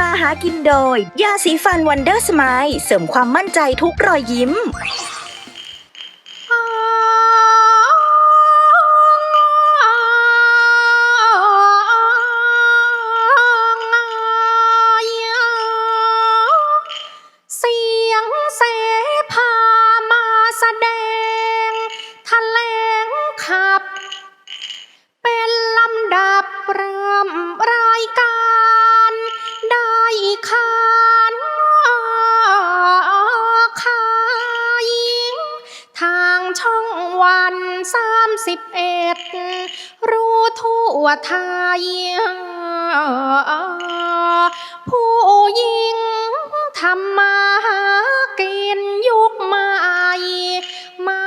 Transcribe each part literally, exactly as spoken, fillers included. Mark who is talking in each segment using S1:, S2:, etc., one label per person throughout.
S1: มาหากินโดยยาสีฟันวันเดอร์สไมล์เสริมความมั่นใจทุกรอยยิ้ม
S2: เสียงเสพามาแสดงแถลงขับเป็นลำดับเริ่มรายการได้ขานขายทางช่องวันสามสิบเอ็ดรู้ทั่วไทยผู้หญิงทำมาหากินยุคใหม่มา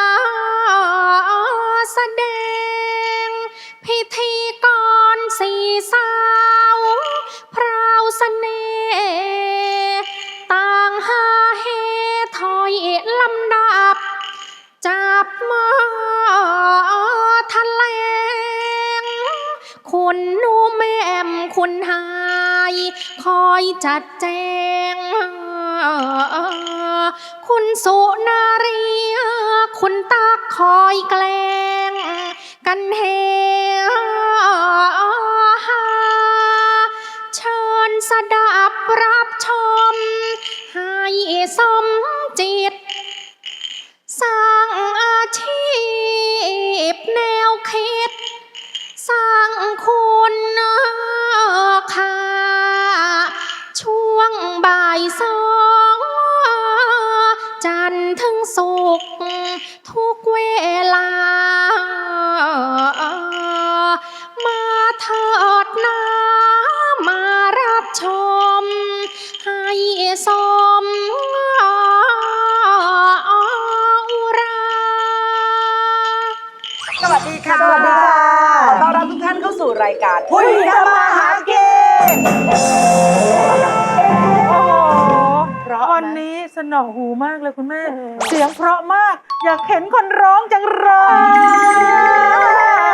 S2: แสดงพิธีกรสี่สาวพราวเสน่ห์ต่างหาเฮถอยลำดับจับมาแถลงคุณนูแม่มคุณหายคอยจัดแจงคุณสุนารีคุณตักคอยแกล้งกันเฮฮาเชิญสดับรับชมให้สมจิตสร้างอาชีพแนวคิดสร้างคุณค่าช่วงบ่ายสองจันทร์ถึงศุกร์ทุกเวลามาเถิดนะมารับชมให้สม
S3: สวัสดีค่ะ สวัสดีค่ะต้อนรับทุกท่านเข้าสู่รายการผู้หญิงทำมาหากิน
S4: วันนี้สนอหูมากเลยคุณแม่ เสียงเพราะมาก อยากเห็นคนร้องจังเลย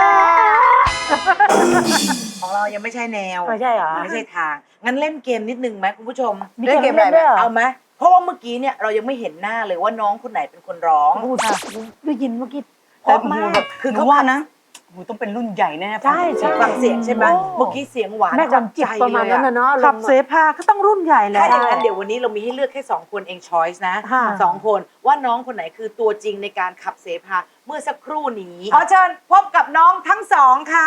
S3: ของเรายังไม่ใช่แนว
S4: ไม่ใช่เหรอ
S3: ไม่ใช่ทาง งั้นเล่นเกมนิดนึงไหมคุณผู้ชม
S4: มีเกมอะไรด้วยเหรอ
S3: เอาไหมเพราะว่าเมื่อกี้เนี่ยเรายังไม่เห็นหน้าเลยว่าน้องคนไหนเป็นคนร้อง
S4: พูดค่ะได้ยินเมื่อกี้เพ
S3: แต่
S4: ราะ
S3: หู
S4: มาก
S3: แบบคือเขาว่านะหูต้องเป็นรุ่นใหญ่แน่
S4: ใช่ใช่
S3: ฟังเสียงใช่ไหม
S4: โอ้
S3: เมื่อกี้เสียงหวาน
S4: แม่จำจิตประมาณนั้นนะเนาะ
S3: ขั
S4: ขั
S3: บบ
S4: เสพาก็ต้องรุ่นใหญ่แหละ
S3: ถ้าอย่างนั้นเดี๋ยววันนี้เรามีให้เลือกแค่สองคนเองช้อยส์นะ
S4: ค่ะ
S3: สองคนว่าน้องคนไหนคือตัวจริงในการขับเสพาเมื่อสักครู่นี้ขอเชิญพบกับน้องทั้งสองค่ะ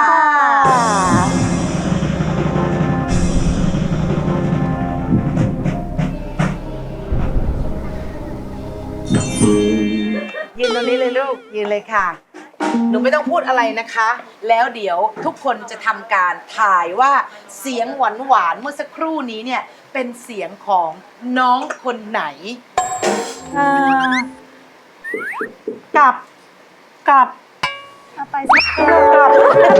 S3: ยืนตรงนี้เลยลูกยืนเลยค่ะ หนูไม่ต้องพูดอะไรนะคะ แล้วเดี๋ยวทุกคนจะทำการถ่ายว่าเสียงหวานหวานๆเมื่อสักครู่นี้เนี่ยเป็นเสียงของน้องคนไหน
S4: เอ่อกลับกลับไปสิกลับ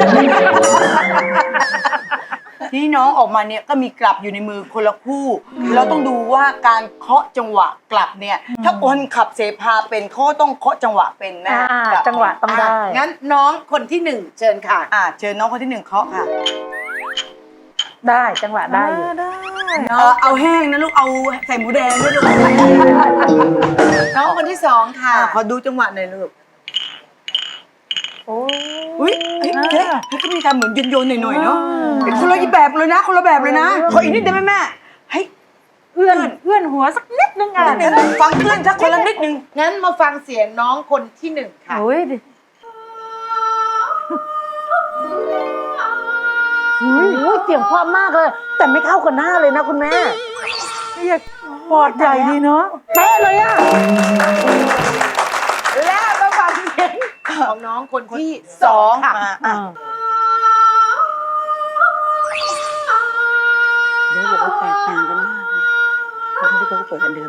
S5: ที่น้องออกมาเนี่ยก็มีกลับอยู่ในมือคนละคู่ เราต้องดูว่าการเคาะจังหวะกลับเนี่ยถ้าคนขับเสพาเป็นเขาต้องเคาะจังหวะเป็นนะ
S4: อ่าก
S5: ลับ
S4: จังหวะต้องได้
S3: อ่ะงั้นน้องคนที่หนึ่งเชิญค่ะ
S5: อ่าเชิญน้องคนที่หนึ่งเคาะค่ะ
S4: ได้จังหวะได้อยู่
S5: เออเอาแห้งนะลูกเอาใส่หมูแดงด้วยลูก
S3: น้องคนที่สองค่ะ
S5: อ่าขอดูจังหวะหน่อยลูก
S4: โอ้
S5: อุ้ยเฮ้ยเฮ้ยเฮ้ยก็มีการเหมือนโยนๆหน่อยๆเนาะเป็นคนละแบบเลยนะคนละแบบเลยนะขออีกนิดได้ไหมแม่ให้
S4: เอื้อนเอื้อนหัวสักนิดนึงอ่ะ
S5: นิดนึงฟังเพื่อนสักคนละนิดนึง
S3: งั้นมาฟังเสียงน้องคนที่หนึ่งค่ะ
S4: โอ้ยดิอุ้ยเสียงเพราะมากเลย แต่ไม่เข้ากับหน้าเลยนะคุณแม่อยากปอดใหญ่ดีเนาะเป๊ะเลยอ่ะ
S3: และมาฟังเสียงของน้องคนที่สองค่ะ
S4: อ่า
S5: เดี๋ยวบอกว่าแตกต่างกันมากเลยเขาไม่ได้เขาเปิดกันเดิม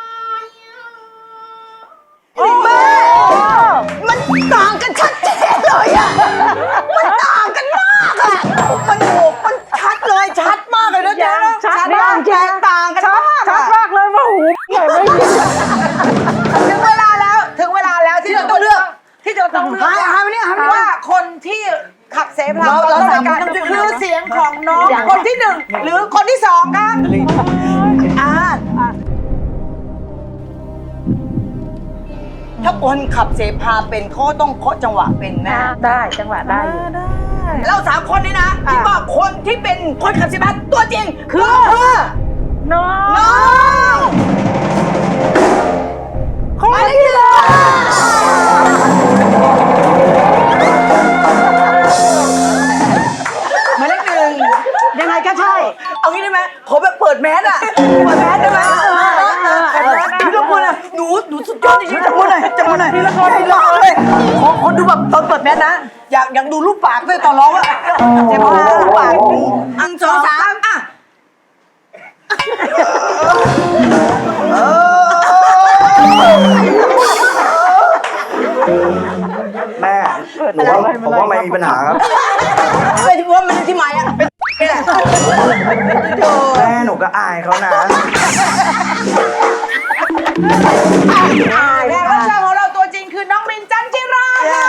S5: แม่มันต่างกันชัดเจนเลยอ่ะมันต่างกันมากอ่ะมันโหมันชัดเลยชัดมากเลยนะเจ๊นะ
S4: ชัด
S5: มากแตกต่างกันมาก
S4: ชัดมากเลยว่าหูใหญ่ไม่ยิน
S3: ถึงเวลาแล้วถึงเวลาแล้วที่เราต้องเลือกที่เราต้องเลือก
S5: หายหายไปเนี่ยหายไป
S3: ว่าคนที่ขับเสพา
S5: เราเรา
S3: ต้
S5: สาม
S3: การ
S5: คนต้อง
S3: คือเสียงของน้องคนที่หนึ่งหรือคนที่สองครับอ่า
S5: ถ้าคนขับเสพาเป็นเขาก็ต้องเคาะจังหวะเป็นแม่
S4: ได้จังหวะได้อยู่
S5: เราสามคนนี่นะคิดว่าคนที่เป็นคนขับเสพาตัวจริงคือ
S4: น้อง
S5: น้องคนที่เลยหมายเลขหนึ่ง
S4: ยังไงก็ใช่
S5: เอางี้ได้ไหมขอแบบเปิดแมสอะเปิดแมสได้ไหมพี่ละมุนอะหนูหนูสุดยอดจริงๆจับมือหน่อยจับมือหน่อยพี่ละมุนให้ร้องเลยขอคนดูแบบตอนเปิดแมสนะอยากอยากดูรูปปากด้วยตอนร้องอะเจ็บมากรูปปากอันสองสามอะ
S6: แม่หนูว่าผมว่าไม่มีปัญหาครับ
S5: ไม่ที่ว่ามันที่หมายอะเป็นนี่แหละ
S6: แม่หนูก็อายเขานะ
S3: แขกรับเชิญของเราตัวจริงคือน้องมินจันจิราค่ะ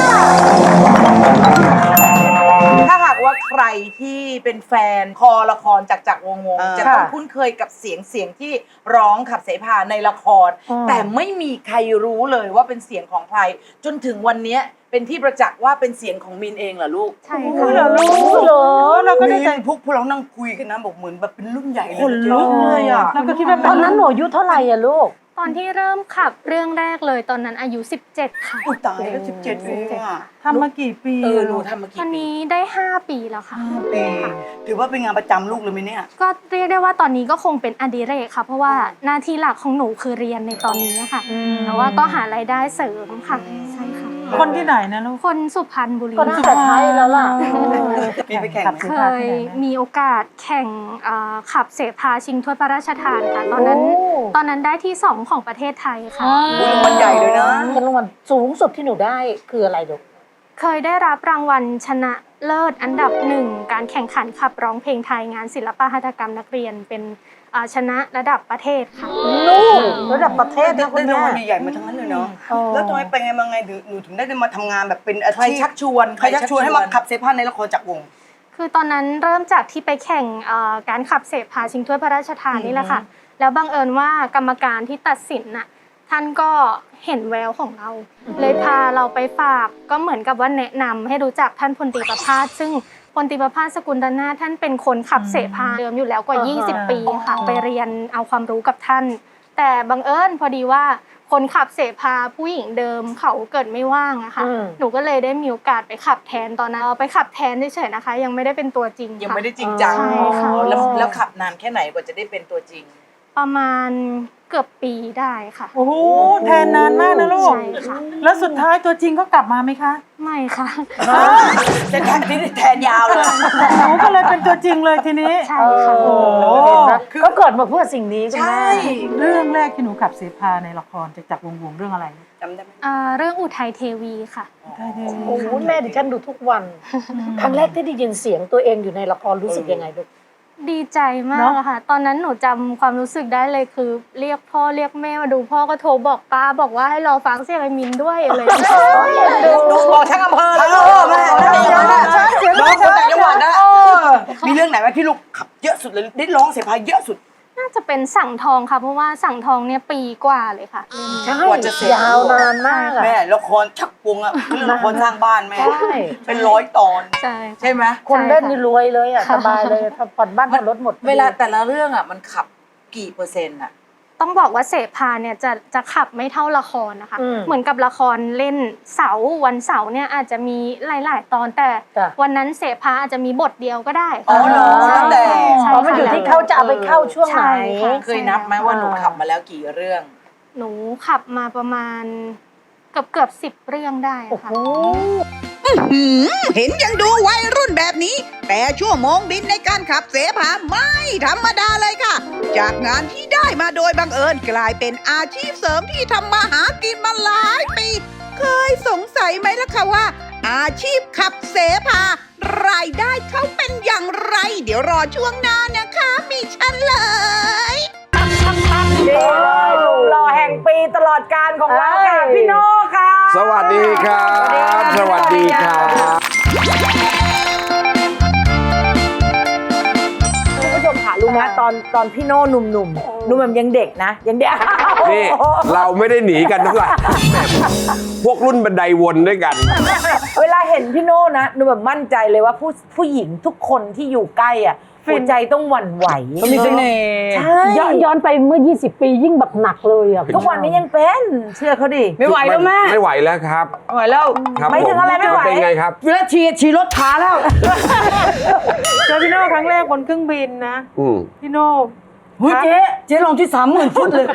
S3: ถ้าหากว่าใครที่เป็นแฟนคอละครจากจากวงวงจะต้องคุ้นเคยกับเสียงเสียงที่ร้องขับเสพาในละคร แต่ไม่มีใครรู้เลยว่าเป็นเสียงของใคร จนถึงวันนี้เป็นที่ประจักษ์ว่าเป็นเสียงของมินเองเหรอลูก
S2: ใช่ค่ะ
S4: เหรอลูกเหรอเราก็ได้
S5: นี่พวกพวกเรานั่งคุยกันนะบอกเหมือนแบบเป็นรุ่นใหญ่เลย
S3: คนลุกเลยอ่ะ
S4: เราก็คิดว่าตอนนั้นหนูอายุเท่าไหร่อะลูก
S2: ตอนที่เริ่มขับเรื่องแรกเลยตอนนั้นอายุสิบเจ็ดค่ะ
S5: อุยตายแล้วสิบเจ็ดเองอะ
S4: ทำมากี่ปี
S3: เออหนูทำมา
S2: ต
S3: กี่
S2: อน
S3: ปี
S2: นี้ได้ห้าปีแล้วค่ะ
S5: ปีถือว่าเป็นงานประจำลูกเลยไหมเนี่ย
S2: ก็เรียกได้ว่าตอนนี้ก็คงเป็นอดิเรกค่ะ เพราะว่าหน้าที่หลักของหนูคือเรียนในตอนนี้ค่ะแต่ว่าก็หารายได้เสริมค่ะใช่ค่ะ
S4: คนที่ไหนนะลูก
S2: คนสุพรรณบุรี
S4: ก็น่าจะใช่แล้วล่ะ
S5: มีไปแข่งไหม
S2: เคยมีโอกาสแข่งเอ่อขับเสพาชิงถ้วยพระราชทานค่ะ ตอนนั้น
S4: โอ้
S2: ตอนนั้นได้ที่สองของประเทศไทยค่ะ
S5: รางวัลใหญ่เลยนะ
S4: เป็นรางวัลสูงสุดที่หนูได้คืออะไรลูก
S2: เคยได้รับรางวัลชนะเลิศอันดับหนึ่งการแข่งขันขับร้องเพลงไทยงานศิลปหัตถกรรมนักเรียนเป็นอ่าชนะระดับประเทศค่ะ
S4: ลูกระดับประเทศนะคุ
S5: ได้
S4: ณ
S5: ราง
S4: แม่
S5: วัลใหญ่ๆมาทั้งนั้นเลยเนาะ
S4: อ๋อ
S5: แล้วทำไมไปไงมาไงถึงหนูถึงได้มาทำงานแบบเป็นอา
S3: ใคร
S5: ชีพ
S3: ชักชวน
S5: ใครชักชวนให้มาขับเซพาในละครจากวง
S2: คือตอนนั้นเริ่มจากที่ไปแข่งเอ่อการขับเสพาชิงถ้วยพระราชทานนี่แหละค่ะ แล้วบังเอิญว่ากรรมการที่ตัดสินน่ะท่านก็เห็นแววของเรา เลยพาเราไปฝากก็เหมือนกับว่าแนะนำให้รู้จักท่านพลตรีประภาสซึ่งพลตรีประภาสสกุลดานาถท่านเป็นคนขับเสพาเดิมอยู่แล้วกว่า
S4: อ่าฮะ
S2: ยี่สิบ ปีค่ะไปเรียนเอาความรู้กับท่าน แต่บังเอิญพอดีว่าคนขับเสพาผู้หญิงเดิมเขาเกิดไม่ว่างอะค่ะ
S4: อืม
S2: หนูก็เลยได้มีโอกาสไปขับแทนตอนนั้นเอาไปขับแทนเฉยๆนะคะ ยังไม่ได้เป็นตัวจริง
S3: ยัง
S2: ค่ะ
S3: ไม่ได้จริงจัง
S2: ใช่ค่ะ
S3: อ๋อแล้วแล้วขับนานแค่ไหนกว่าจะได้เป็นตัวจริง
S2: ประมาณเกือบปีได้ค่ะ
S4: โอ้โหแทนนานมากนะลูก
S2: ใช่ค่ะ
S4: แล้วสุดท้ายตัวจริงเขากลับมาไหมคะ
S2: ไม่ค่ะ
S5: จะแทนที่แทนยาวเลย
S4: หนูก็เลยเป็นตัวจริงเลยทีนี้
S2: ใช่ค่ะ
S4: โอ้โหเขาเกิดมาเพื่อสิ่งนี้คุณ
S3: ใช่
S4: แม่เรื่องแรกที่หนูขับเสพาในละครจากจากวงวงเรื่องอะไร
S5: จำได้ไหม
S2: อ่าเรื่องอุทัยเทวีค่ะ
S4: โอ้โหแม่ดิฉันดูทุกวัน ครั้งแรกที่ได้ยินเสียงตัวเองอยู่ในละครรู้สึกยังไงลูก
S2: ดีใจมากอะค่ะ ตอนนั้นหนูจำความรู้สึกได้เลยคือ เรียกพ่อเรียกแม่มาดูพ่อก็โทรบอกป้าบอกว่าให้รอฟังเสียงไอ้มินด้วยอะไรอย่างเงี้ย
S5: ดูบอกทั้งอำเภอเลยแม่น้องคนต่างจังหวัดนะมีเรื่องไหนไหมที่ลูกขับเยอะสุดเลยได้ร้องเสพาเยอะสุด
S2: น่าจะเป็นสั่งทองค่ะ เพราะว่าสั่งทองเนี่ยปีกว่าเลยค่ะ
S4: ใช่
S3: กว่าจะเสร็จ
S4: ยาวนานมากอะ
S5: แม่ละครชักวงอะเรื่องละครสร้างบ้านแม่
S4: ใช่
S5: เป็นร้อยตอน
S2: ใช่
S3: ใช่ไหม
S4: คนเล่นนี่รวยเลยอ่ะสบายเลยผ่อนบ้านผ่อนรถหมด
S3: เวลาแต่ละเรื่องอ่ะมันขับกี่เปอร์เซ็นต์อ่ะ
S2: ต้องบอกว่าเสพาเนี่ยจะจะขับไม่เท่าละครนะคะ
S4: อืม
S2: เหมือนกับละครเล่นเสาร์วันเสาร์เนี่ยอาจจะมีหลาย ๆ ตอนแต่
S4: จ้ะ
S2: วันนั้นเสพาอาจจะมีบทเดียวก็ได้
S5: อ๋อเหรอ
S2: ใช่
S5: แต่
S2: ใช่
S4: อ๋อมันอยู่ที่เขาจะเอาไปเข้าช่วงไหน
S2: ใช่ค่ะ
S3: เคยนับไหมว่าหนูขับมาแล้วกี่เรื่อง
S2: หนูขับมาประมาณเกือบเกือบสิบเรื่องได้อะค่ะ
S7: หืมเห็นยังดูวัยรุ่นแบบนี้ แต่ชั่วโมงบินในการขับเสพาไม่ธรรมดาเลยค่ะ จากงานที่ได้มาโดยบังเอิญกลายเป็นอาชีพเสริมที่ทำมาหากินมาหลายปี เคยสงสัยไหมล่ะคะว่า อาชีพขับเสพารายได้เขาเป็นอย่างไร เดี๋ยวรอช่วงหน้านะคะมีเฉลย
S4: รอแห่งปีตลอดการของเราค่ะพี่โน่ค่ะ
S8: สวัสดีครับ สวัสดีครับ
S4: คุณผู้ชมนะตอนตอนพี่โน่หนุ่มๆหนุ่มแบบยังเด็กนะยังเด็ก
S8: นี่เราไม่ได้หนีกันเท่าไหร่พวกรุ่นบันไดวนด้วยกัน
S4: เวลาเห็นพี่โน่นะหนูแบบมั่นใจเลยว่าผู้ผู้หญิงทุกคนที่อยู่ใกล้อ่ะหัวใจต้องหวั่นไหว
S5: ก็มีเสน่ห์
S4: ใช่
S9: ย้อนย้อนไปเมื่อ ยี่สิบ ปียิ่งแบบหนักเลยอ่ะ
S4: ทุกวันนี้ยังเป็นเชื่อเขาดิ
S5: ไม่ไหวแล้วแม่
S8: ไม่ไหวแล้วครับ
S5: ไม่ไหวแล้ว
S8: ครับ
S4: ไม่ถึงอะไรไม่ไหว
S8: เป็นไงครับ
S5: เวลาฉีดฉีดรถขาแล้ว
S10: เจอพี่โน่ครั้งแรกบนเครื่องบินนะ
S8: อืม
S10: พี่โน่
S5: เฮ้ยเจ๊เจ๊ลองที่สามหมื่นฟุตเลย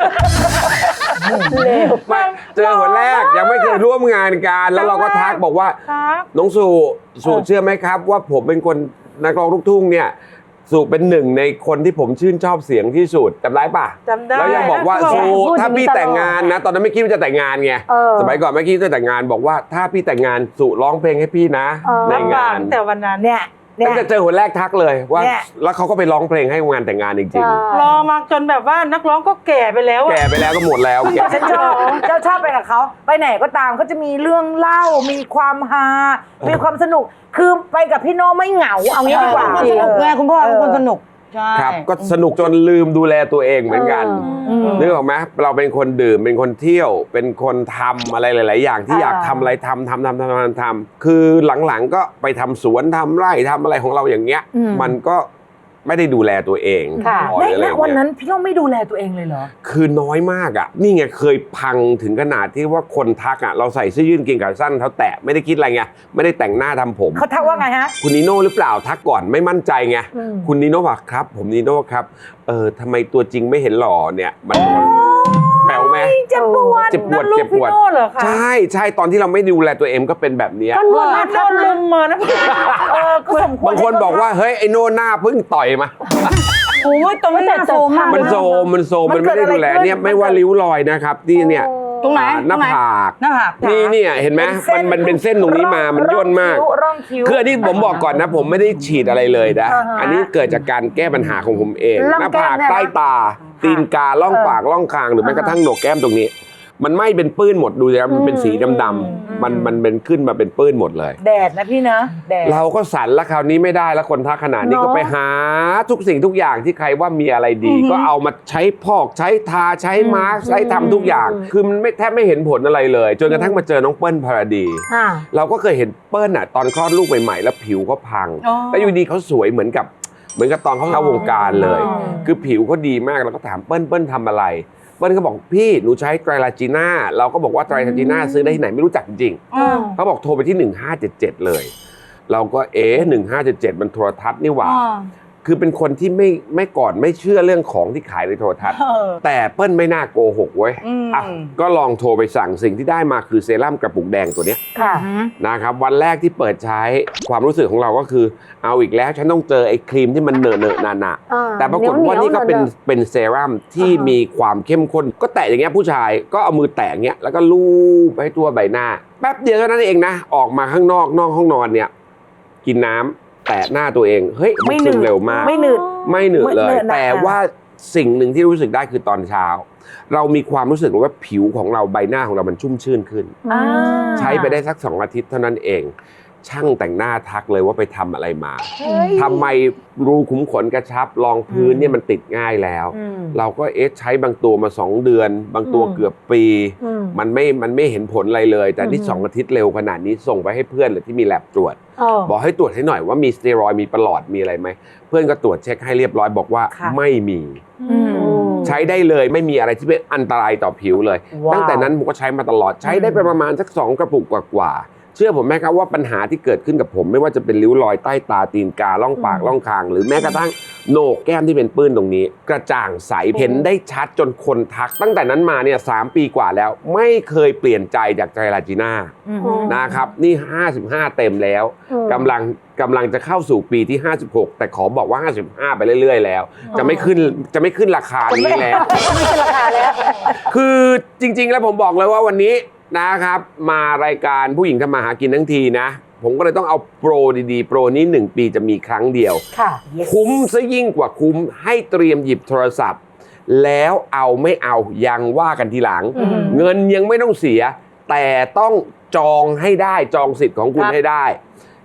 S8: ไม่เจอคนแรกยังไม่เคยร่วมงานกันแล้วเราก็ทักบอกว่า
S10: ครับ
S8: น้องสุสุเชื่อไหมครับ ว่าผมเป็นคนนักร้องลูกทุ่งเนี่ยสุเป็นหนึ่งในคนที่ผมชื่นชอบเสียงที่สุดจำได้ปะ
S10: จำได้
S8: แล้วยังบอกว่า
S10: แล้วก็
S8: สุ
S9: พูด
S8: ถ้าพี่
S9: อย่างนี้ตลอด
S8: แต่งงานนะ ตอนนั้นไม่คิดว่าจะแต่งงานไง
S9: เออ
S8: สมัยก่อนไม่คิดว่าจะแต่งงานบอกว่าถ้าพี่แต่งงานสุร้องเพลงให้พี่นะ
S9: เออ
S8: ใน
S10: รับปาง
S8: าก น
S10: ตั้งแต่วันนั้น
S4: เนี่ยเนี่
S8: ตั้
S4: ย
S8: งแต่เจอคนแรกทักเลยว่า
S4: เนี่ย
S8: แล้วเขาก็ไปร้องเพลงให้งานแต่งงานจริง
S9: ใช่
S10: รอมาจนแบบว่านักร้องก็แก่ไปแล้ว
S8: ๆ
S10: อะ
S8: แก่ไปแล้วก็หมดแล้วแก่
S4: ฉันชอบเจ้าชอบไปกับเขาไปไหนก็ตามเขาจะมีเรื่องเล่ามีความฮามีความสนุกคือไปกับพี่โน่ไม่เหงาเอางี้ดีกว่า
S5: เป็นคนสนุกไงคุณพ่อเป็นคนสนุกใช่
S8: ครับก็สนุกจนลืมดูแลตัวเองเหมือนกัน
S4: อืม
S8: นึกออกไหมเราเป็นคนดื่มเป็นคนเที่ยว เป็นคนทำอะไรหลาย ๆ อย่างที่อยากทำอะไรทำทำทำทำทำทำคือหลัง ๆ ก็ไปทำสวนทำไร่ทำอะไรของเราอย่างเงี้ย
S4: อืม
S8: มันก็ไม่ได้ดูแลตัวเอง
S9: ค่ะ
S8: พอ
S4: ใน
S8: อะไร
S4: ณ
S8: อย่าง
S4: วัน
S8: เงี้ย
S4: นั้นพี่โน่ไม่ดูแลตัวเองเลยเหรอ
S8: คือน้อยมากอ่ะนี่ไงเคยพังถึงขนาดที่ว่าคนทักอ่ะเราใส่เสื้อยืดกางเกงขาสั้นเท้าแตะไม่ได้คิดอะไรไงไม่ได้แต่งหน้าทำผม
S4: เขาทักว่าไงฮะ
S8: คุณนิโน่หรือเปล่าทักก่อนไม่มั่นใจไง
S9: อืม
S8: คุณนิโน่บอกครับ ผมนิโน่ครับเออทำไมตัวจริงไม่เห็นหล่อเนี่ยมันแปลวไหม
S4: เจ็บปวด
S8: เจ็บปวด
S10: นั่นลูก
S8: เจ็บปวด
S10: พี่โน่เหรอคะ
S8: ใช่ใช่ตอนที่เราไม่ดูแลตัวเองก็เป็นแบบเนี้ย
S9: ก็นวด
S10: โดนลุมมานะ
S4: เออก็สมควร
S8: บางคนบอกว่าเฮ้ยไอโน่หน้าเพิ่งต่อยมา
S5: โอ้ยตรงนี้น่าโซมมาก
S8: มันโซมมันโซมมันไม่ได้ดูแลเนี่ยไม่ว่าริ้วรอยนะครับที่เนี่ย
S5: ตรงไหน
S8: อ่าหน้า
S5: ตรงไหน
S8: ผาก
S5: หน้าผาก
S8: นี่เนี่ยเห็นไหมมันมันเป็นเส้นตรงนี้มามันย่นมาก
S4: ร่องคิ้ว
S8: คืออันนี้ผมบอกก่อนนะ ผมไม่ได้ฉีดอะไรเลยนะ
S4: อ่าฮะ
S8: อันนี้เกิดจากการแก้ปัญหาของผมเอง
S4: ร่อง
S8: หน้า
S4: แก้ม
S8: ผาก
S4: เนี่ยนะ
S8: ใต้ตา ตีนกาล่องปากล่องคางหรือแม้กระทั่งโหนกแก้มตรงนี้ มันไหม้เป็นปื้นหมดดูนะมันเป็นสีดำๆมันมันเป็นขึ้นมาเป็นปื้นหมดเลย
S4: แดดนะพี่นะแดด
S8: เราก็สั่นแล้วคราวนี้ไม่ได้แล้วคนทักขนาดนี้
S4: เนอะ
S8: ก็ไปหาทุกสิ่งทุกอย่างที่ใครว่ามีอะไรดี ก็เอามาใช้พอกใช้ทาใช้มาร์คใช้ทำทุกอย่าง คือมันไม่แทบไม่เห็นผลอะไรเลย จนกระทั่งมาเจอน้องเปิ้ลพาราดี
S9: อ่า
S8: เราก็เคยเห็นเปิ้ลอ่ะตอนคลอดลูกใหม่ๆแล้วผิวก็พัง
S5: อ๋อ
S8: แล้วอยู่ดีเขาสวยเหมือนกับเหมือนกับตอนเขาเข้าวงการเลย
S4: อ๋อ
S8: คือผิวเขาดีมากเราก็ถามเปิ้ลเปิ้ลทำอะไรเปิ้ลก็บอกพี่หนูใช้ไตรลาจีน่าเราก็บอกว่าไตรลาจีน่าซื้อได้ที่ไหนไม่รู้จักจริงๆ
S5: อืม
S8: เขาบอกโทรไปที่หนึ่งห้าเจ็ดเจ็ดเลย เราก็เอ๊ะหนึ่งห้าเจ็ดเจ็ดมันโทรทัศน์นี่หว่า
S5: อ่า
S8: คือเป็นคนที่ไม่ไม่ก่อนไม่เชื่อเรื่องของที่ขายในโทรทัศน์
S5: เออ
S8: แต่เปิ้ลไม่น่าโกหกเว้ย
S5: อืม
S8: อ่ะก็ลองโทรไปสั่งสิ่งที่ได้มาคือเซรั่มกระปุกแดงตัวเนี้ย
S9: ค่ะ
S8: นะครับวันแรกที่เปิดใช้ความรู้สึกของเราก็คือเอาอีกแล้วฉันต้องเจอไอ้ครีมที่มันเหนอะเนอะหนาหนาๆ
S9: อ่า
S8: แต่ปรากฏว่านี่ก็เป็น
S9: เหนียวๆ
S8: เป็นเซรั่มที่มีความเข้มข้น ก็แตะอย่างเงี้ยผู้ชายก็เอามือแตะอย่างเงี้ยแล้วก็ลูบไปทั่วใบหน้า แป๊บเดียวเท่านั้นเองนะ ออกมาข้างนอกนอกห้องนอนเนี่ย กินน้ำแตะหน้าตัวเองเฮ้ยมันซึมเร็วมาก
S4: ไม่หนืด
S8: ไม่เหนื่อยเล
S4: ไม่
S8: ย
S4: เหนื่อยนะ
S8: แต่ว่าสิ่งหนึ่งที่รู้สึกได้คือตอนเช้า เรามีความรู้สึกว่าผิวของเราใบหน้าของเรามันชุ่มชื่นขึ้น
S4: อ่า
S8: ใช้ไปได้สักสองอาทิตย์เท่านั้นเอง ช่างแต่งหน้าทักเลยว่าไปทำอะไรมาทำไมรูขุมขนกระชับรองพื้นเนี่ยมันติดง่ายแล้ว
S4: อืม
S8: เราก็เอ๊ะใช้บางตัวมาสองเดือน บางตัว
S4: อืม
S8: เกือบปี
S9: อืม
S8: มันไม่มันไม่เห็นผลอะไรเลย แต่นี่
S9: อืม
S8: สองอาทิตย์เร็วขนาดนี้ส่งไปให้เพื่อนเลยที่มีแลบตรวจ
S9: เออ
S8: บอกให้ตรวจให้หน่อยว่ามีสเตียรอยด์มีประหลอดมีอะไรไหมเพื่อนก็ตรวจเช็คให้เรียบร้อยบอกว่า
S4: ค่ะ
S8: ไม่มี
S4: อืม
S8: ใช้ได้เลยไม่มีอะไรที่เป็นอันตรายต่อผิวเลย
S4: ว้าว
S8: ตั้งแต่นั้นผมก็ใช้มาตลอดใช้ได้ไปประมาณสักสองกระปุกกว่าๆเชื่อผมไหมครับว่าปัญหาที่เกิดขึ้นกับผม ไม่ว่าจะเป็นริ้วรอยใต้ตาตีนกาล่องปากล่องคาง หรือแม้กระทั่งโหนกแก้มที่เป็นปื้นตรงนี้ กระจ่างใสเห็นได้ชัดจนคนทัก ตั้งแต่นั้นมาเนี่ยสามปีกว่าแล้ว ไม่เคยเปลี่ยนใจจากไตรลาจีน่า
S4: อืม
S8: นะครับนี่ห้าสิบห้าเต็มแล้ว
S9: อืม
S8: กำลังกำลังจะเข้าสู่ปีที่ห้าสิบหกแต่ขอบอกว่าห้าสิบห้าไปเรื่อยๆแล้ว จะไม่ขึ้นจะไม่ขึ้นราคานี้แล้ว
S4: ไม่ใช่ราคาแล้ว
S8: คือจริงๆ แล้วผมบอกเลยว่าวันนี้นะครับ มารายการผู้หญิงทำมาหากินทั้งทีนะ ผมก็เลยต้องเอาโปรดีๆ โปรนี้หนึ่งปีจะมีครั้งเดียว
S4: ค่ะ
S8: คุ้มซะยิ่งกว่าคุ้มให้เตรียมหยิบโทรศัพท์ แล้วเอาไม่เอายังว่ากันทีหลัง
S4: อืม
S8: เงินยังไม่ต้องเสีย แต่ต้องจองให้ได้จองสิทธิ์ของคุณ
S4: ครับ
S8: ให้ได้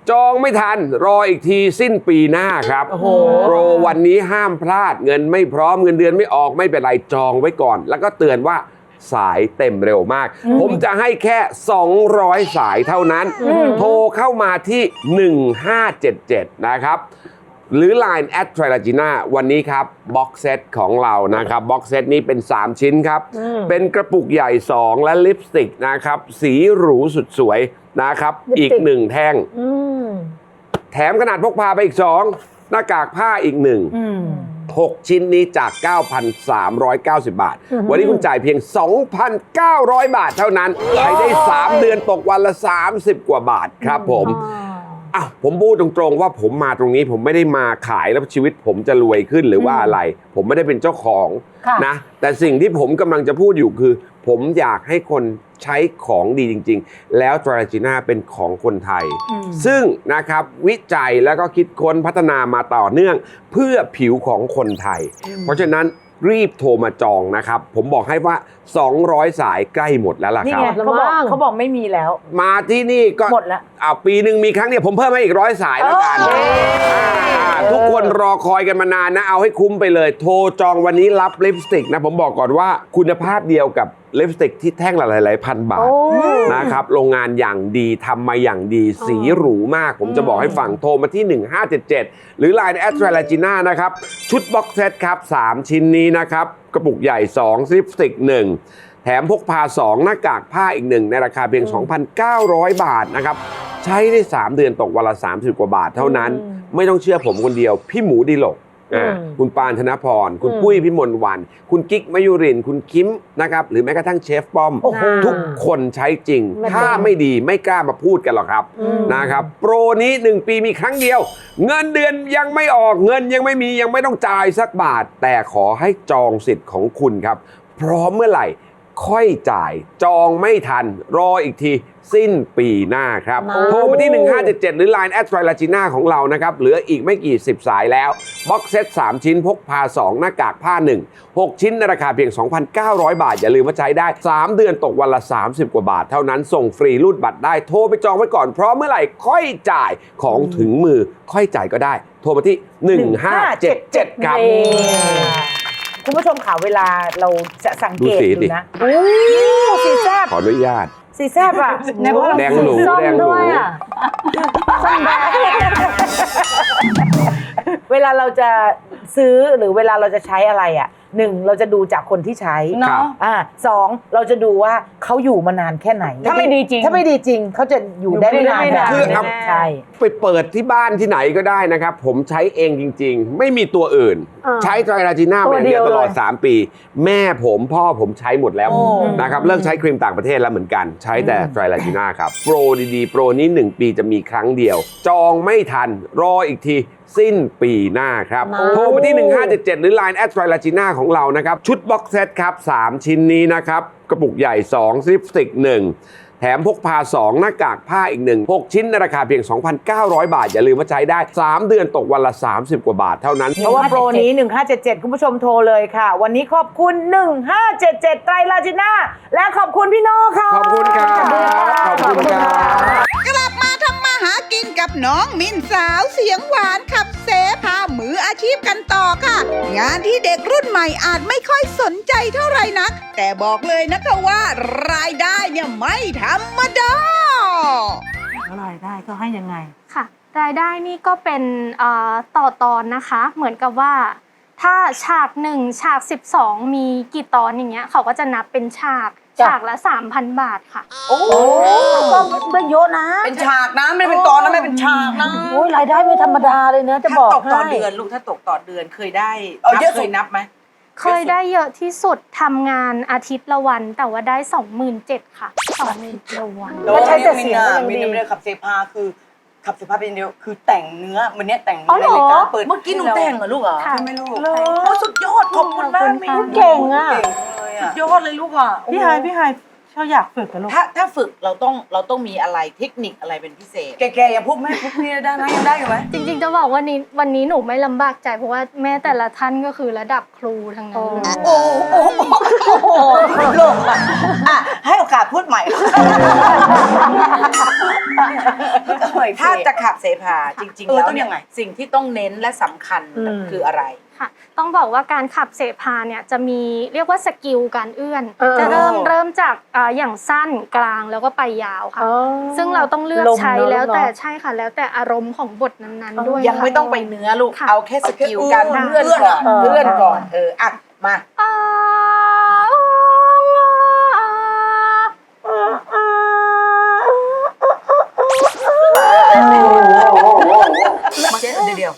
S8: จองไม่ทันรออีกทีสิ้นปีหน้าครับโปรวันนี้ห้ามพลาดเงินไม่พร้อมเงินเดือนไม่ออกไม่เป็นไรจองไว้ก่อน แล้วก็เตือนว่าสายเต็มเร็วมาก ผมจะให้แค่สองร้อยสายเท่านั้นโทรเข้ามาที่หนึ่งห้าเจ็ดเจ็ดนะครับหรือ ไลน์ แอท ไทรลาจีน่า วันนี้ครับบ็อกเซตของเรานะครับบ็อกเซตนี้เป็นสามชิ้นครับเป็นกระปุกใหญ่สองและลิปสติกนะครับสีหรูสุดสวยนะครับอีกหนึ่งแท่งแถมขนาดพกพาไปอีกสองหน้ากากผ้าอีกหนึ่งหกชิ้นนี้จาก เก้าพันสามร้อยเก้าสิบ บาท วันนี้คุณจ่ายเพียง สองพันเก้าร้อย บาทเท่านั้นใช้ได้สามเดือนตกวันละสามสิบกว่าบาทครับผมอ้าวผมพูดตรงๆว่าผมมาตรงนี้ผมไม่ได้มาขายแล้วชีวิตผมจะรวยขึ้นหรือว่าอะไร ผมไม่ได้เป็นเจ้าของนะแต่สิ่งที่ผมกำลังจะพูดอยู่คือผมอยากให้คนใช้ของดีจริงๆแล้วตราจีน่าเป็นของคนไทยซึ่งนะครับวิจัยแล้วก็คิดค้นพัฒนามาต่อเนื่องเพื่อผิวของคนไทยเพราะฉะนั้นรีบโทรมาจองนะครับผมบอกให้ว่าสองร้อยสายใกล้หมดแล้วล่ะครับ
S4: นี่ไงเขาบอกเขาบอกไม่มีแล้ว
S8: มาที่นี่ก็
S4: หมดแล้ว
S8: อ่าปีหนึ่งมีครั้งเดียวผมเพิ่มให้อีกร้อยสายแล้วกันทุกคนรอคอยกันมานานนะเอาให้คุ้มไปเลยโทรจองวันนี้รับลิปสติกนะผมบอกก่อนว่าคุณภาพเดียวกับลิปสติกที่แท่งละหลายๆพันบาทนะครับโรงงานอย่างดีทำมาอย่างดีสีหรูมากผมจะบอกให้ฟังโทรมาที่หนึ่งห้าเจ็ดเจ็ดหรือ ไลน์ แอท ไทรลาจีน่านะครับชุดบ็อกเซตครับสามชิ้นนี้นะครับกระปุกใหญ่สองลิปสติกหนึ่งแถมพกพาสองหน้ากากผ้าอีกหนึ่งในราคาเพียง สองพันเก้าร้อย บาทนะครับใช้ได้สามเดือนตกวันละสามสิบกว่าบาทเท่านั้นไม่ต้องเชื่อผมคนเดียวพี่หมูดิลกคุณปานธนพรคุณปุ้ยพิมลวันคุณกิ๊กมยุรินคุณคิมนะครับหรือแม้กระทั่งเชฟป้อมทุกคนใช้จริงถ้าไม่ดีไม่กล้ามาพูดกันหรอกครับนะครับโปรนี้หนึ่งปีมีครั้งเดียวเงินเดือนยังไม่ออกเงินยังไม่มียังไม่ต้องจ่ายสักบาทแต่ขอให้จองสิทธิ์ของคุณครับพร้อมเมื่อไหร่ค่อยจ่ายจองไม่ทันรออีกทีสิ้นปีหน้าครับโทรมาที่หนึ่งห้าเจ็ดเจ็ดหรือ ไลน์ แอท ไทรลาจีน่าของเรานะครับเหลืออีกไม่กี่สิบสายแล้วบ็อกเซตสามชิ้นพกพาสองหน้ากากผ้าหนึ่ง หกชิ้นในราคาเพียง สองพันเก้าร้อย บาทอย่าลืมว่าใช้ได้สามเดือนตกวันละสามสิบกว่าบาทเท่านั้นส่งฟรีรูดบัตรได้โทรไปจองไว้ก่อนเพราะเมื่อไหร่ค่อยจ่ายของถึงมือค่อยจ่ายก็ได้โทรมาที่หนึ่งห้าเจ็ดเจ็ดครับ
S4: คุณผู้ชมค่ะเวลาเราจะสังเกตดูนะโอ้สีแซ่บ
S8: ขออนุญาต
S4: สีแซ่บอ่ะ
S8: แดงหนูแดงหนู
S4: เวลาเราจะซื้อหรือเวลาเราจะใช้อะไรอ่ะหนึ่งเราจะดูจากคนที่ใช้เนาะอ่าสองเราจะดูว่าเขาอยู่มานานแค่ไหน
S9: ถ้าไม่ดีจริง
S4: ถ้าไม่ดีจริงเขาจะอยู่ได้ไม่นาน
S8: คือใช่ไปเปิดที่บ้านที่ไหนก็ได้นะครับผมใช้เองจริงๆไม่มีตัวอื่นใช้ไตรลาจีน่ามาอย่างเดียวตลอดสามปีแม่ผมพ่อผมใช้หมดแล้วนะครับเลิกใช้ครีมต่างประเทศแล้วเหมือนกันใช้แต่ไตรลาจีน่าครับโปรดีๆโปรนี้หนึ่งปีจะมีครั้งเดียวจองไม่ทันรออีกทีสิ้นปีหน้าครับโทรมาที่หนึ่งห้าเจ็ดเจ็ดหรือ ไลน์ แอท ไทรลาจีน่าของเรานะครับชุดบ็อกเซตครับสามชิ้นนี้นะครับกระปุกใหญ่สองลิปสติกหนึ่งแถมพกพาสองหน้ากากผ้าอีกหนึ่ง หกชิ้นในราคาเพียง สองพันเก้าร้อย บาทอย่าลืมว่าใช้ได้สามเดือนตกวันละสามสิบกว่าบาทเท่านั้น
S4: เพราะว่าโปรนี้หนึ่งห้าเจ็ดเจ็ดคุณผู้ชมโทรเลยค่ะวันนี้ขอบคุณหนึ่งห้าเจ็ดเจ็ดไตรลาจีน่าและขอบคุณพี่โน่ค่ะ
S8: ขอบคุณครับขอบคุณครับ
S7: กลับมาทำมาหากินกับน้องมินสาวเสียงหวานขับเสพามืออาชีพกันต่อค่ะงานที่เด็กรุ่นใหม่อาจไม่ค่อยสนใจเท่าไหร่นักแต่บอกเลยนะคะว่ารายได้เนี่ยไม่ธรรมดาร
S10: ายได้ก็ให้ยังไง
S2: ค่ะรายได้นี่ก็เป็นต่อตอนนะคะเหมือนกับว่าถ้าฉากหนึ่งฉากสิบสองมีกี่ตอนอย่างเงี้ยเขาก็จะนับเป็นฉากฉากละ สามพัน บาทค่ะ
S4: โอ้ก็ไม่เยอะนะ
S5: เป็นฉากนะไม่เป็นตอนนะไม่เป็นฉากนะ
S4: โอ้ยรายได้ไม่ธรรมดาเลยนะจะบอกให้
S3: ตกต่อเดือนลูกถ้าตกต่อเดือนเคยได้เคยนับไหม
S2: เคยได้เยอะที่สุดทำงานอาทิตย์ละวันแต่ว่าได้ สองหมื่นเจ็ดพัน ค่ะ สองหมื่นเจ็ดพัน ละวัน
S5: แล้วใช้แต่เสียงก็ยังดีมินไม่ได้ขับเสพาคือขับเสพาเป็นเดียวคือแต่งเนื้อวันนี้แต่งเนื้อในรายการเปิด
S3: เมื่อกี้หนูแต่งเหรอลูกเหรอ
S5: ใช่ไหมลูก
S3: โอ้สุดยอดขอบคุณมากมิน
S4: เก่งอ่ะ
S3: สุดยอดเลยลูกอ่ะ
S10: พี่ไฮพี่ไฮชอบอยากฝึกกับลูก
S3: ถ้าถ้าฝึกเราต้องเราต้องมีอะไรเทคนิคอะไรเป็นพิเศษ
S5: แกๆอย่างพวกแม่พวกพี่ได้ไหมยังได้อยู่ไหม
S2: จริงๆจะบอกว่านี้วันนี้หนูไม่ลำบากใจเพราะว่าแม่แต่ละท่านก็คือระดับครูทั้งนั้นเลย
S5: โอ้โหโอ้โหโอ้โหโลกอ่ะอ่ะให้โอกาสพูดใหม่
S3: ถ้าจะขับเสพาจริงๆ
S5: เออ
S3: แล้ว
S5: ต้อง
S3: เนี่
S5: ยังไง
S3: สิ่งที่ต้องเน้นและสำคัญคืออะไร
S2: ค่ะต้องบอกว่าการขับเสพาเนี่ยจะมีเรียกว่าสกิลการเอื้อน
S9: เออ
S2: จะเริ่มเริ่มจากอ่าอย่างสั้นกลางแล้วก็ไปยาวค่ะ
S9: อ๋อ
S2: ซึ่งเราต้องเลือก
S9: ลม
S2: ใช้
S9: เนอะ
S2: แล้วแต่
S9: เนอะ
S2: ใช่ค่ะ แล้วแต่อารมณ์ของบทนั้นๆด้วย
S3: ยังไม่
S2: ค่ะ
S3: ต้องไปเนื้อลูก
S2: ค่ะ
S3: เอาแค่สกิลการ
S5: ค่ะ
S3: เลื่อนก่อน
S9: เออ
S3: เลื่อนก่อนเอออ่ะมา
S2: อ่า
S5: เจ๊เดี๋ยว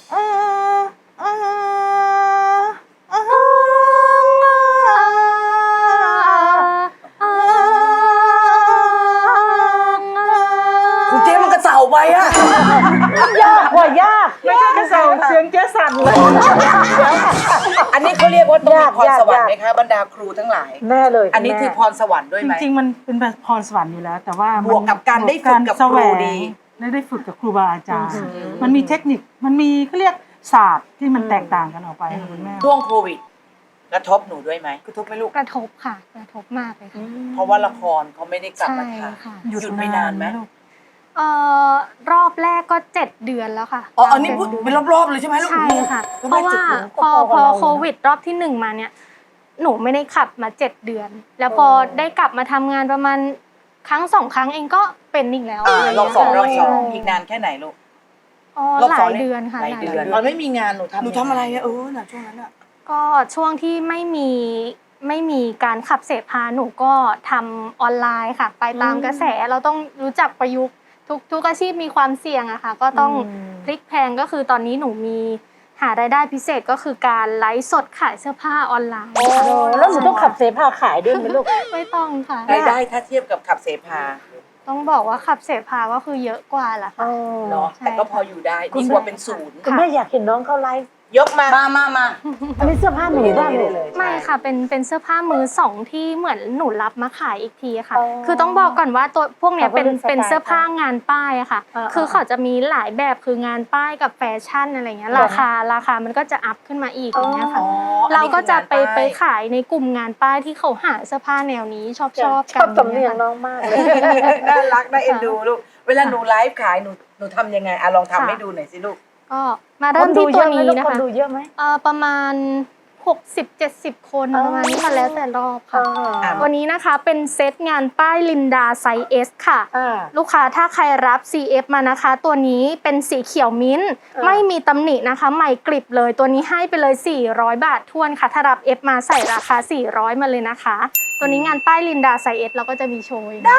S5: คุณเจ๊มันกระเสาไปอะ
S9: ยากกว่ายาก
S10: ไม่ใช่กระเซาเสียงเจ๊สั่นเลย
S3: อันนี้เขาเรียกว่าต้องมี
S9: ยาก
S3: พรสวรรค์
S9: ยาก
S3: ไหมคะบรรดาครูทั้งหลาย
S9: แน่เลย
S3: อันนี้
S9: ณแม่
S3: คือพรสวรรค์ด้วย
S10: จ
S3: ไหม
S10: ริงๆ มันเป็นพรสวรรค์อยู่แล้ว แต่ว่ามัน
S3: บวกกับการได้ฝึกกับครู
S10: แสวง
S3: ดี
S10: และได้ฝึกกับครูบาอาจารย์ มันมีเทคนิค มันมีเขาเรียกศาสตร์ที่มันแตกต่างกันออกไปค่ะคุณแม่
S3: ช่วงโควิดกระทบหนูด้วยไหม
S5: กระทบไหมลูก
S2: กระทบค่ะกระทบมากเลยค่ะ
S3: เพราะว่าละครเขาไม่ได้กลับมา
S2: ใช่
S3: ถ่าย
S2: ค่ะ
S3: หยุดไปนานไหม
S10: ลูก
S2: เอ่อรอบแรกก็เจ็ดเดือนแล้วค่ะ
S5: อ๋อ อันนี้พูดเป็นรอบๆเลยใช่ไหมลูก
S2: ใช่ค่ะ
S5: แล้ว
S2: เพ
S5: แม่
S2: ราะว่า
S5: จุดหนู
S2: พอพอโควิดรอบที่หนึ่งมาเนี่ย หนูไม่ได้ขับมาเจ็ดเดือน แล้วพอได้กลับมาทำงานประมาณครั้งสองครั้งเองก็เป็นอีกแล้ว
S3: อ่า
S2: ะไย่า
S3: รอบสองรอบสอง
S2: ใช่
S3: อีกนานแค่ไหนลูก
S2: อ๋อ
S5: รอบ
S2: ห
S5: สอ
S2: ลาง ย
S5: นี่
S2: เดือนค่ะ
S3: หลายเดือน
S2: ห
S3: ตอนไม่มีงานหนูทำ
S5: หนูทำอะไรอะเออน่ะช่วงนั้นอะ
S2: ก็ช่วงที่ไม่มีไม่มีการขับเสพาหนูก็ทำออนไลน์ค่ะ ไปตามกระแสเราต้องรู้จักประยุกต์ทุกทุกอาชีพมีความเสี่ยงอะค่ะ ก็ต้องพลิกแพลงก็คือตอนนี้หนูมีหารายได้พิเศษก็คือการไลฟ์สดขายเสื้อผ้าออนไลน์ค่ะ
S9: โอ้แล้วหนูต้องขับเสพาขายด้วยไหมลูก
S2: ไม่ต้องค่ะ
S3: รายได้ถ้าเทียบกับขับเสพา
S2: ต้องบอกว่าขับเสพาก็คือเยอะกว่าแหละค่ะ
S3: เนาะ
S2: ใช่
S3: แต่ก็พออยู่ได้ดีกว่าเป็นศูนย์
S9: คุณแม่อยากเห็นน้องเขาไลฟ์
S3: ยกมา
S5: มามามา
S9: อันนี้เสื้อผ้าหนูบ้างเลย
S2: ไม่ค่ะเป็นเป็นเสื้อผ้ามือสองที่เหมือนหนูรับมาขายอีกทีค่ะ
S9: อ๋อ
S2: คือต้องบอกก่อนว่าตัวพวกเนี้ย
S9: เขาก็
S2: เป็น
S9: เป็นสไตล์
S2: เป็นเสื้อผ้างานป้ายอะค่ะ
S9: อ่า
S2: คือเขาจะมีหลายแบบคืองานป้ายกับแฟชั่นอะไรเงี้ยราคาราคามันก็จะอัพขึ้นมาอีกอย่างเงี้ยค่ะ
S3: อ๋ออันนี้
S2: เราก็จะไป
S3: คืองานป้าย
S2: ไปขายในกลุ่มงานป้ายที่เขาหาเสื้อผ้าแนวนี้ชอบชอบ
S9: ช
S2: กั
S9: อบ
S2: น
S9: สำเนียงน้องมากเลย
S3: น่ารักน่าเอ็นดูลูก เวลาหนูไลฟ์ขายหนูหนูทำยังไงอะลองทำให้ดูหน่อยสิลูก
S2: ก็มาเริ่มที่ตัวนี้นะ
S9: คน
S2: คะ
S9: ดูเยอะไหม
S2: เอ่อประมาณหกสิบเจ็ดสิบคน
S9: อ๋อ
S2: ประมาณนี้ค่ะแล้วแต่รอบค่ะ
S3: อ่า
S2: วันนี้นะคะเป็นเซตงานป้ายลินดาไซส์ S ค่ะ
S9: อ่า
S2: ลูกค้าถ้าใครรับ ซี เอฟ มานะคะ ตัวนี้เป็นสีเขียวมิ้นท์
S9: เออ
S2: ไม่มีตำหนินะคะ ใหม่กริบเลย ตัวนี้ให้ไปเลยสี่ร้อยบาททวนค่ะ ถ้ารับ F มาใส่ราคาสี่ร้อยมาเลยนะคะ ตัวนี้งานป้ายลินดาไซส์ S เราก็จะมีโชว์ได้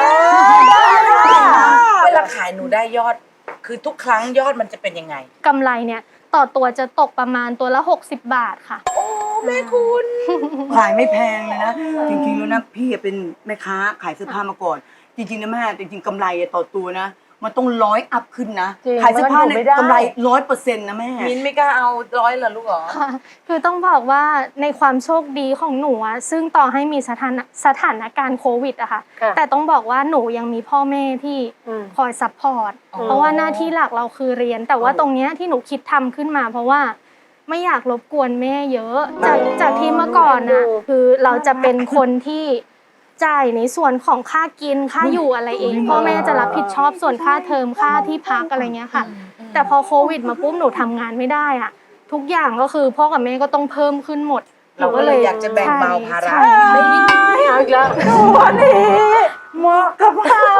S3: เวลาขายหนูได้ยอด คือทุกครั้งยอดมันจะเป็นยังไง
S2: กำไรเนี่ยต่อตัวจะตกประมาณตัวละหกสิบบาทค่ะ
S3: แม่คุณ
S5: ขายไม่แพงเลยนะ จริงๆแล้วนะพี่เป็นแม่ค้าขายเสื้อผ้ามาก่อน จริงๆนะแม่จริงๆกำไรต่อตัวนะ มันต้องร้อยอัพขึ้นนะ
S9: จริง
S5: ขายเสื้อผ้า
S9: มันอยู่
S5: เนี่
S9: ไม่
S5: ย
S9: ได้
S5: กำไรร้อยเปอร์เซ็นต์นะแม่
S3: มินไม่กล้าเอาร้อยเหรอลูกเหรอ
S2: ค่ะคือต้องบอกว่าในความโชคดีของหนูอะซึ่งต่อให้มีสถานสถานการณ์โควิดอะค่ะ
S9: ค่ะ
S2: แต่ต้องบอกว่าหนูยังมีพ่อแม่ที่
S9: อืม
S2: คอยซัพพอร์ต
S3: อ๋อ
S2: เพราะว่าหน้าที่หลักเราคือเรียน แต่ว่าตรงเนี้ยที่หนูคิดทำขึ้นมา เพราะว่าไม่อยากรบกวนแม่เยอะ จากจากที่เมื่อก่อนอะคือเราจะเป็นคนที่จ่ายในส่วนของค่ากินค่าอยู่อะไรเองพ่อแม่จะรับผิดชอบส่วนค่าเทอมค่าที่พักอะไรเงี้ยค่ะ แต่พอโควิดมาปุ๊บหนูทำงานไม่ได้อะทุกอย่างก็คือพ่อกับแม่ก็ต้องเพิ่มขึ้นหมด
S3: เราก็เลยอยากจะแบ่งเบาภาระ
S2: ใช่ใช่
S9: เอาอีกแล้ว
S10: ตัวนี้เหมาะกับพา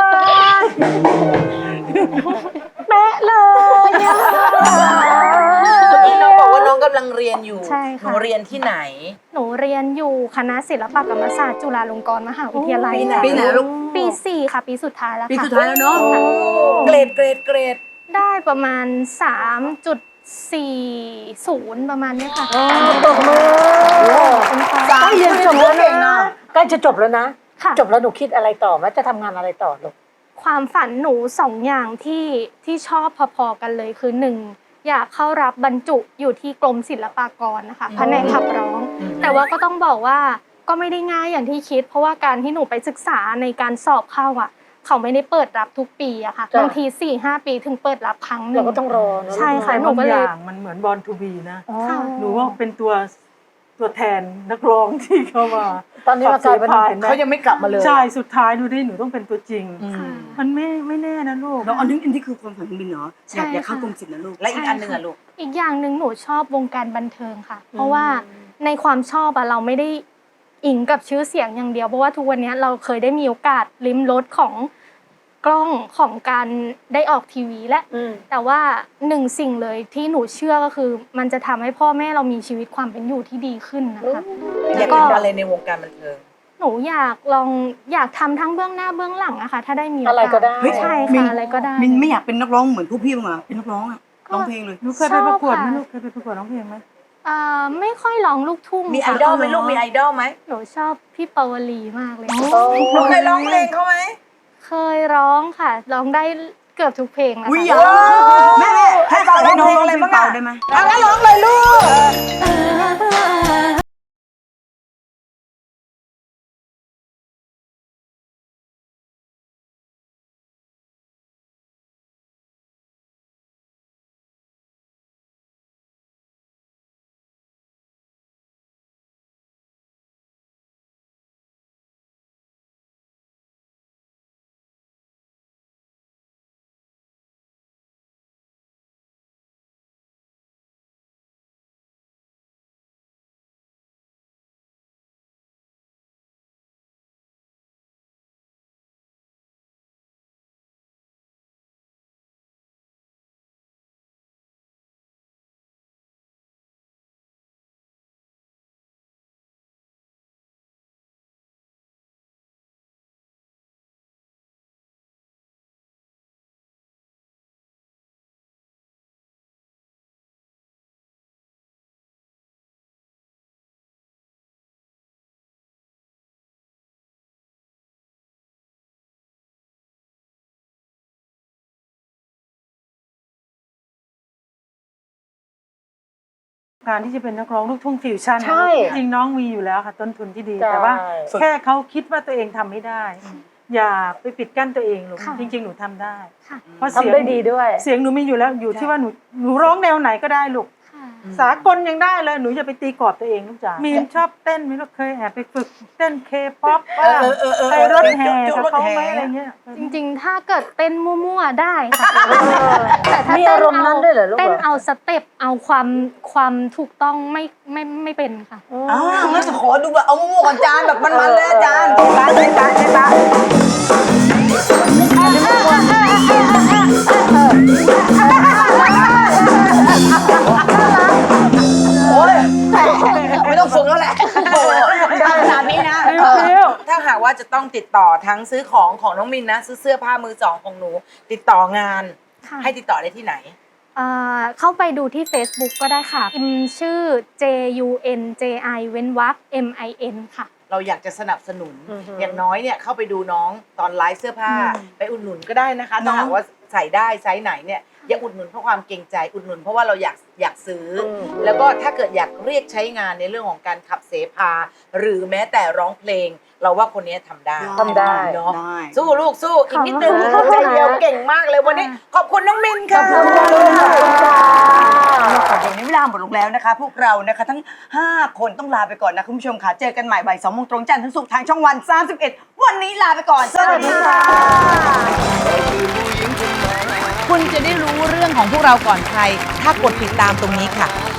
S9: แม่เลยอะ
S3: เมื่อกี้น้องบอกว่าน้องกำลังเรียนอยู่
S2: ใช่
S3: ห
S2: ค่ะ
S3: นูเรียนที่ไหน
S2: หนูเรียนอยู่คณะศิลปกรรมศาสตร์จุฬาลงกรณ์มหาวิทยาลัย
S3: ปีไหน
S5: ปีไหนลูก
S2: ปีสี่ค่ะ ปีสุดท้ายแล้วค่ะ
S5: ปีสุดท้ายแล้วเนาะ
S3: เกรดเกรดเกรด
S2: ได้ประมาณ สามจุดสี่ศูนย์ ประมาณเนี้ยค่ะ
S9: ตบมือใกล้เรียนจบแล้วนะใกล้จะจบแล้วนะ
S2: ค่ะ
S9: จบแล้วหนูคิดอะไรต่อไหมจะทำงานอะไรต่อลูก
S2: ความฝันหนูสองอย่างที่ที่ชอบพอๆกันเลยคือหนึ่งอยากเข้ารับบรรจุอยู่ที่กรมศิลปากรนะคะแผนกขับร้อง แต่ว่าก็ต้องบอกว่าก็ไม่ได้ง่ายอย่างที่คิด เพราะว่าการที่หนูไปศึกษาในการสอบเข้าอ่ะเขาไม่ได้เปิดรับทุกปีอะค่ะบางทีสี่ห้าปีถึงเปิดรับครั้งหนึ่ง
S9: เราก็ต้องรอเนอะ
S2: ใช่ค่ะหนู
S10: บาง
S2: ก็
S10: อ
S2: เลย
S10: ย่างมันเหมือนบอลทูบีนะ
S2: ค่ะ
S10: หนูว่าเป็นตัวตัวแทนนักร้องที่เข้ามา
S9: ตอนนี้มากลายเป็น
S10: ขับสพห็นไหม
S3: เขายังไม่กลับมาเลย
S10: ใช่สุดท้ายดูดิหนูต้องเป็นตัวจริง
S2: ค่ะ
S10: มันไม่ไม่แน่นะลูก
S5: แล้วอันนี้อันนี้คือความฝันของบินเหรอ
S2: ใช่
S5: อยากอยากเข้า
S2: ค่ะ
S5: กรมศิลป์นะลูก
S3: และอีกอันหนึ่งอะลูก
S2: อีกอย่างหนึ่งหนูชอบวงการบันเทิงค่ะ เพราะว่าในความชอบอะเราไม่ได้อิงกับชื่อเสียงอย่างเดียวเพราะว่าทุกวันนี้เราเคยได้มีโอกาสลิ้มรสของกล้องของการได้ออกทีวีและ
S9: อืม
S2: แต่ว่าหนึ่งสิ่งเลยที่หนูเชื่อก็คือ มันจะทำให้พ่อแม่เรามีชีวิตความเป็นอยู่ที่ดีขึ้นนะคะ
S3: อ
S2: แล้
S3: ยาก
S2: วก็
S3: ทำอะไรในวงการบันเทิง
S2: หนูอยากลองอยากทำทั้งเบื้องหน้าเบื้องหลังอะค่ะถ้าได้มีโาส
S9: อะไรก็ได้
S2: เฮ้ยใช่
S5: มิน
S2: ค่ะอะไรก็ได้
S5: มินไม่อยากเป็นนักร้องเหมือนพวกพี่บ้างเหรอเป็นนักร้องอะร้องเพลงเลย
S10: หนูเคยไปประกวดไหม
S2: ชอบค่ะ
S10: ลูกเคยไปประกวดร้องเพลงไหม
S2: เอ่อไม่ค่อยร้องลูกทุ่ง
S3: มีไอ
S2: ค่ะ
S3: ดอลไหมลูกมีไอดอลไหม
S2: หนูชอบพี่ปวลีมากเลย
S3: หนูเคยร้องเพลงเขาไหม
S2: เคยร้องค่ะ ร้องได้เกือบทุกเพลงนะ
S5: อุ้ยอ
S2: คะ
S5: ยากแม่แม่ให้ฟังให้น้องร้องเพลงเปล่าได้ไหม
S3: เอางั้นร้องเลยลูก
S10: การที่จะเป็นนักร้องลูกทุ่งฟิวชั่นนะ
S9: ใช่
S10: จริงๆน้องมีอยู่แล้วค่ะต้นทุนที่ดี
S9: ใช่
S10: แต่ว่าแค่เขาคิดว่าตัวเองทำไม่ได้ อย่าไปปิดกั้นตัวเองลูก
S2: ค่ะ
S10: จริง ๆ หนูทำได้
S2: ค่ะ
S10: เพราะเสียง
S9: ทำได้ดีด้วย
S10: เสียงหนูมีอยู่แล้วอยู่ที่ว่าหนูหนูร้องแนวไหนก็ได้ลูก
S2: ค่ะ
S10: สากลยังได้เลยหนูอย่าไปตีกรอบตัวเองลูกจ๋ามีนชอบเต้นมีลูกเคยแอบไปฝึกเต้นเคป๊อปบ้าง
S3: เออเออเออ
S10: ไปรถแห่
S3: จุด
S10: กับ
S3: รถ
S10: เขา
S3: แห่
S10: ไหมอะไรเงี้ย
S2: จริงๆ ถ้าเกิดเต้นมั่วๆได้ค่ะแต่ถ้า
S9: มี
S2: เต้
S9: อาน รมณ์นั้นด้วยเหรอลูก
S2: เต้น
S9: เหรอ
S2: เอาสเต็ปเอาความความถูกต้องไม่ไม่ไม่เป็นค่ะ
S5: อ้าวงั้นจะขอดูแบบเอามั่วๆก่อนจานแบบมันๆเลยอาจารย์
S4: ตาเจ๊ตาเจ๊ตา
S5: โอ้ยไม่ต้องฝึกแล้วแหละโอ้โหได้ขนาดนี้นะ
S10: เร็ว
S3: ถ้าหากว่าจะต้องติดต่อทั้งซื้อของของน้องมินนะ ซื้อเสื้อผ้ามือสองของหนู ติดต่องาน
S2: ค่ะ
S3: ให้ติดต่อได้ที่ไหน
S2: เอ่อเข้าไปดูที่ Facebook ก็ได้ค่ะพิมพ์ชื่อ J U N J I เว้นวรรค M I N ค่ะ
S3: เราอยากจะสนับสนุน อย่างน้อยเนี่ยเข้าไปดูน้องตอนไลฟ์เสื้อผ้า ไปอุดหนุนก็ได้นะคะถ้าหากว่าใส่ได้ไซส์ไหนเนี่ยอย่าอุดหนุนเพราะความเกรงใจอุดหนุนเพราะว่าเราอยากอยากซื้ออแล้วก็ถ้าเกิดอยากเรียกใช้งานในเรื่องของการขับเสพาหรือแม้แต่ร้องเพลง เราว่าคนนี้ทำได้
S4: ทำได้
S3: เนาะ
S5: ได้
S3: สู้ลูกสู้อีกนิดนึง
S2: ขอบคุณค่ะ
S3: ใจเดียวเก่งมากเลยวันนี้ ขอบคุณน้องมินค่ะ
S5: อย่างนี้เวลาหมดลงแล้วนะคะ พวกเรานะคะทั้งห้าคนต้องลาไปก่อนนะคุณผู้ชมค่ะเจอกันใหม่บ่ายสองโมงตรงจันทร์ถึงศุกร์ทางช่องวันสามสิบเอ็ดวันนี้ลาไปก่อนสวัสดีค่ะ
S3: คุณจะได้รู้เรื่องของพวกเราก่อนใคร ถ้ากดติดตามตรงนี้ค่ะ